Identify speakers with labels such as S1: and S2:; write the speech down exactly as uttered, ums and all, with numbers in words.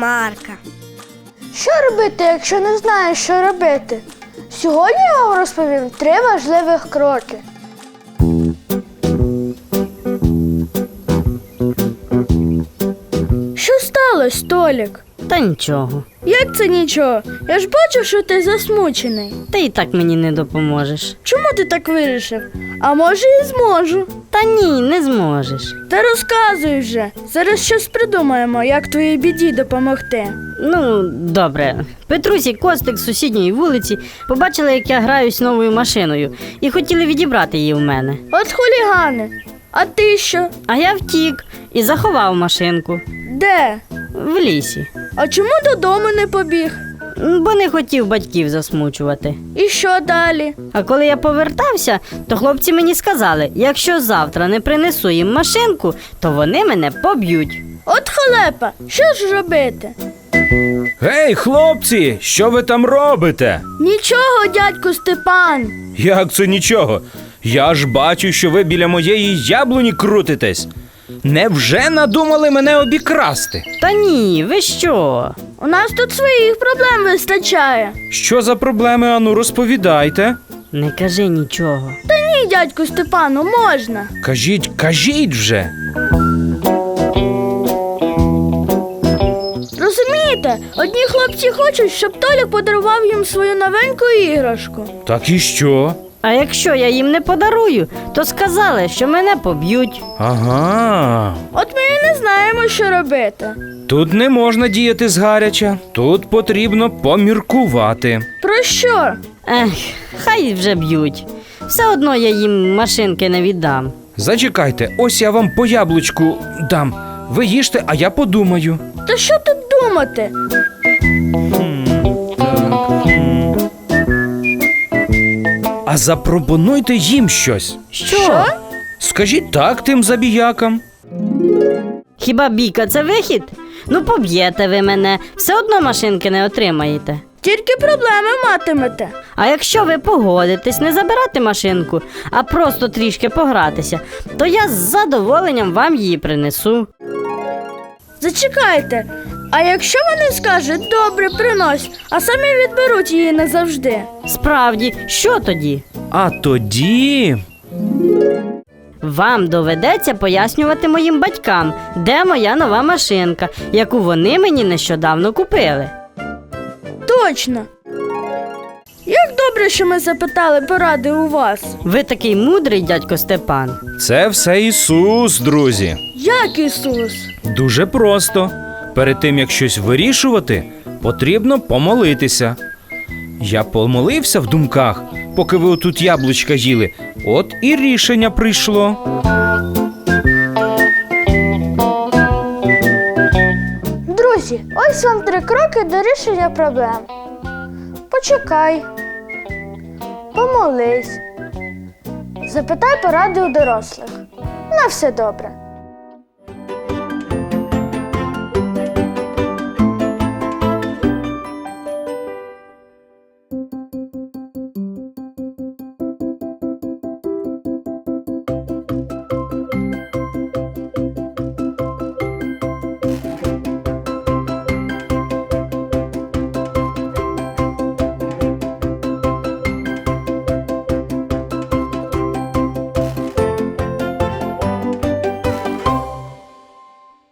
S1: Марка.
S2: Що робити, якщо не знаєш, що робити? Сьогодні я вам розповім три важливих кроки. Що сталося, Толік?
S3: Та нічого.
S2: Як це нічого? Я ж бачу, що ти засмучений.
S3: Ти і так мені не допоможеш.
S2: Чому ти так вирішив? А може і зможу.
S3: Та ні, не зможеш.
S2: Та розказуй вже. Зараз щось придумаємо, як твоїй біді допомогти.
S3: Ну, добре. Петрусь і Костик з сусідньої вулиці побачили, як я граюсь новою машиною, і хотіли відібрати її в мене.
S2: От хулігани. А ти що?
S3: А я втік і заховав машинку.
S2: Де?
S3: В лісі.
S2: А чому додому не побіг?
S3: Бо не хотів батьків засмучувати.
S2: І що далі?
S3: А коли я повертався, то хлопці мені сказали, якщо завтра не принесу їм машинку, то вони мене поб'ють.
S2: От халепа, що ж робити?
S4: Гей, хлопці, що ви там робите?
S2: Нічого, дядьку Степан.
S4: Як це нічого? Я ж бачу, що ви біля моєї яблуні крутитесь. Невже надумали мене обікрасти?
S3: Та ні, ви що?
S2: У нас тут своїх проблем вистачає.
S4: Що за проблеми, ану, розповідайте.
S3: Не кажи нічого.
S2: Та ні, дядьку Степану, можна.
S4: Кажіть, кажіть вже.
S2: Розумієте, одні хлопці хочуть, щоб Толік подарував їм свою новеньку іграшку.
S4: Так і що?
S3: А якщо я їм не подарую, то сказали, що мене поб'ють.
S4: Ага.
S2: От ми і не знаємо, що робити.
S4: Тут не можна діяти згаряча. Тут потрібно поміркувати.
S2: Про що?
S3: Ех, хай вже б'ють. Все одно я їм машинки не віддам.
S4: Зачекайте, ось я вам по яблучку дам. Ви їжте, а я подумаю.
S2: Та що тут думати?
S4: А запропонуйте їм щось.
S3: Що?
S2: Що?
S4: Скажіть так тим забіякам.
S3: Хіба бійка це вихід? Ну поб'єте ви мене, все одно машинки не отримаєте.
S2: Тільки проблеми матимете.
S3: А якщо ви погодитесь не забирати машинку, а просто трішки погратися, то я з задоволенням вам її принесу.
S2: Зачекайте, а якщо вони скажуть «добре, принось», а самі відберуть її назавжди?
S3: Справді, що тоді?
S4: А тоді...
S3: Вам доведеться пояснювати моїм батькам, де моя нова машинка, яку вони мені нещодавно купили.
S2: Точно. Як добре, що ми запитали поради у вас.
S3: Ви такий мудрий, дядько Степан.
S4: Це все Ісус, друзі.
S2: Як Ісус?
S4: Дуже просто. Перед тим, як щось вирішувати, потрібно помолитися. Я помолився в думках, поки ви отут яблучка їли. От і рішення прийшло.
S2: Друзі, ось вам три кроки до рішення проблем. Почекай. Помолись. Запитай поради у дорослих. На все добре.